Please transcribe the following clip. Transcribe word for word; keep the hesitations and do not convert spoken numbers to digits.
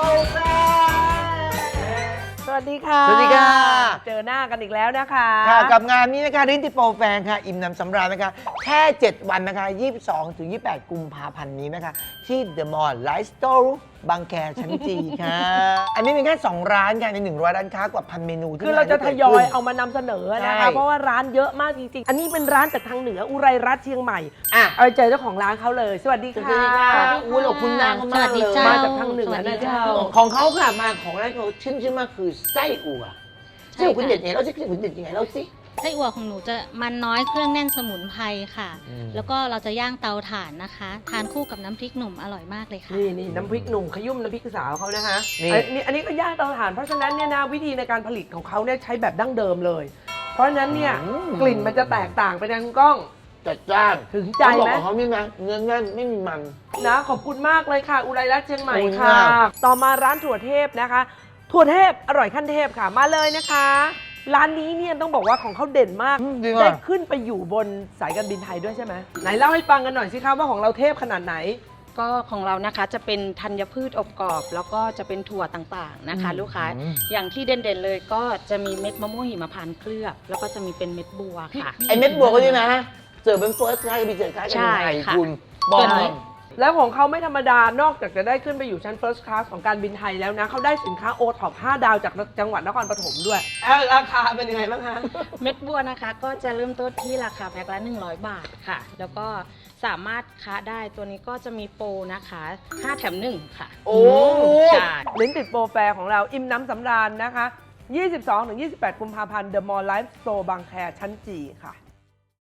แฟสวัสดีค่ะสวัสดีค่ะเจอหน้ากันอีกแล้วนะคะค่ะกับงานนี้นะคะลิ้นติโปรแฟนค่ะอิ่มหนำสำราญนะคะแค่ เจ็ด วันนะคะ ยี่สิบสองถึงยี่สิบแปด กุมภาพันธ์นี้นะคะ ที่ The Mall Life Store บางแคชั้นจีค่ะ อันนี้เป็นแค่ สอง ร้านค่ะใน หนึ่งร้อย ร้านค้ากว่าพันเมนูที่คือเราจะทยอยเอามานำเสนอนะคะใช่เพราะว่าร้านเยอะมากจริงๆ อันนี้เป็นร้านจากทางเหนืออุไรรัตน์เชียงใหม่อ่ะเอาไปเจอเจ้าของร้านเขาเลย สวัสดีสวัสค่ะดีค่ะอุ้ยขอบคุณนางเขามากเลยมาจากทางเหนือนะเจ้าของเขาค่ะมาของร้านเขาชื่นชื่อมากคือไส้อั่วไส้อั่วคุณเด็ดยังไงเราสิไส้อั่วคุณเด็ดยังไงเราสิไส้อั่วของหนูจะมันน้อยเครื่องแน่นสมุนไพรค่ะอืมแล้วก็เราจะย่างเตาถ่านนะคะ ทานคู่กับน้ำพริกหนุ่มอร่อยมากเลยค่ะนี่นี่น้ำพริกหนุ่มขยุ่มน้ำพริกสาวเขานะคะนี่อันนี้อันนี้ก็ย่างเตาถ่านเพราะฉะนั้นเนี่ยนะวิธีในการผลิตของเขาเนี่ยใช้แบบดั้งเดิมเลย เพราะฉะนั้นเนี่ยกลิ่นมันจะแตกต่างไปทางกล้องจัดจ้านถึงใจไหมต้องบอกของเขานี่นะเนื้อแน่นไม่มีมันนะขอบคุณมากเลยค่ะ อุไรรัตน์เชียงใหม่ขอบคุณค่ะมากต่อมาร้านถั่วเทพนะคะ ถั่วเทพอร่อยขั้นเทพค่ะมาเลยนะคะ ร้านนี้เนี่ยต้องบอกว่าของเขาเด่นมากอืมดีได้มากขึ้นไปอยู่บนสายการบินไทยด้วยใช่ไหมไหนเล่าให้ฟังกันหน่อยสิคะว่าของเราเทพขนาดไหนก็ของเรานะคะจะเป็นธัญพืชอบกรอบ แล้วก็จะเป็นถั่วต่างๆนะคะอืมลูกค้าอืมอย่างที่เด่นๆเลยก็จะมีเม็ดมะม่วงหิมพานต์เคลือบ แล้วก็จะมีเป็นเม็ดบัวค่ะไอเม็ดบัวก็นี่นะเสิร์ฟเป็นเฟิร์สคลาสกับมีเสิร์ฟคลาสกันใช่ยังไงค่ะคุณบอกตัวหน่นี้อยแล้วของเขาไม่ธรรมดานอกจากจะได้ขึ้นไปอยู่ชั้น First Class ของการบินไทยแล้วนะเขาได้สินค้าโอท็อปห้าดาวจากจังหวัดนครปฐมด้วยเอ้าราคาเป็นยังไงบ้างคะเม็ดบัวนะคะ ก็จะเริ่มต้นที่ราคาแพ็คละหนึ่งร้อยบาทค่ะ แล้วก็สามารถค้าได้ตัวนี้ก็จะมีโปรนะคะห้าแถมหนึ่งค่ะโอ้ใช่ลิ้นติดโปรแฟร์ของเราอิ่มน้ำสำราญนะคะ ยี่สิบสองถึงยี่สิบแปด กุมภาพันธ์ The Mall Life Store บางแคชั้นจีค่ะ